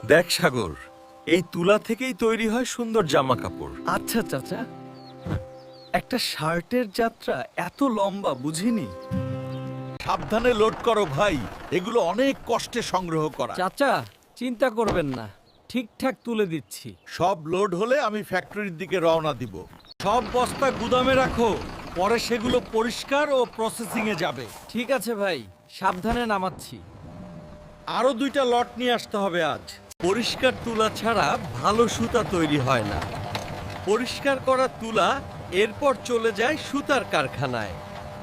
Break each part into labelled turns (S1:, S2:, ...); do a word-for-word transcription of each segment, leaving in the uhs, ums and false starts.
S1: দেখ সাগর, এই তুলা থেকেই তৈরি হয় সুন্দর জামা কাপড়।
S2: আচ্ছা চাচা, একটা শার্টের যাত্রা এত লম্বা বুঝিনি।
S3: সাবধানে লোড করো ভাই, এগুলো অনেক কষ্টে সংগ্রহ করা।
S2: চাচা চিন্তা করবেন না, ঠিকঠাক তুলে দিচ্ছি।
S3: সব লোড হলে আমি ফ্যাক্টরির দিকে রওনা দিব।
S1: সব বস্তা গুদামে রাখো, পরে সেগুলো পরিষ্কার ও প্রসেসিং এ যাবে।
S2: ঠিক আছে ভাই, সাবধানে নামাচ্ছি।
S1: আরো দুইটা লট নিয়ে আসতে হবে আজ। পরিষ্কার তুলা ছাড়া ভালো সুতা তৈরি হয় না। পরিষ্কার করা তুলা এরপর চলে যায় সুতার কারখানায়।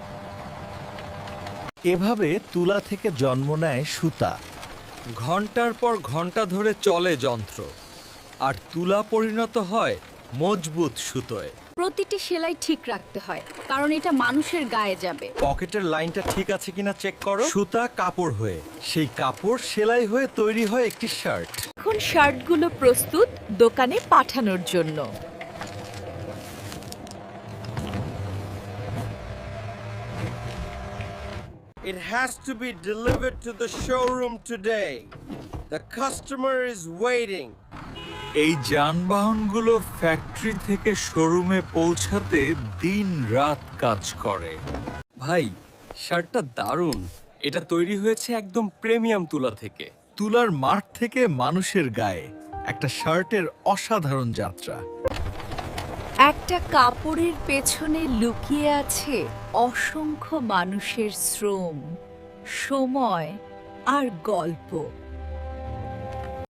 S3: এভাবে তুলা থেকে জন্ম নেয় সুতা।
S1: ঘন্টার পর ঘন্টা ধরে চলে যন্ত্র, আর তুলা পরিণত হয় মজবুত সুতোয়।
S4: প্রতিটি সেলাই ঠিক রাখতে হয়, কারণ এটা মানুষের গায়ে যাবে।
S1: পকেটের লাইনটা ঠিক আছে কিনা চেক করো। সুতা কাপড় হয়ে, সেই কাপড় সেলাই হয়ে তৈরি হয় একটি শার্ট।
S5: এখন শার্টগুলো প্রস্তুত দোকানে পাঠানোর জন্য।
S1: It has to be delivered to the showroom today. The customer is waiting. এই যানবাহনগুলো ফ্যাক্টরি থেকে শোরুমে পৌঁছাতে দিন রাত কাজ করে। ভাই, শার্টটা দারুণ। এটা তৈরি হয়েছে একদম প্রিমিয়াম তুলা থেকে।
S3: তুলার মাঠ থেকে মানুষের গায়ে একটা শার্টের অসাধারণ যাত্রা।
S5: একটা কাপড়ের পেছনে লুকিয়ে আছে অসংখ্য মানুষের শ্রম, সময় আর গল্প।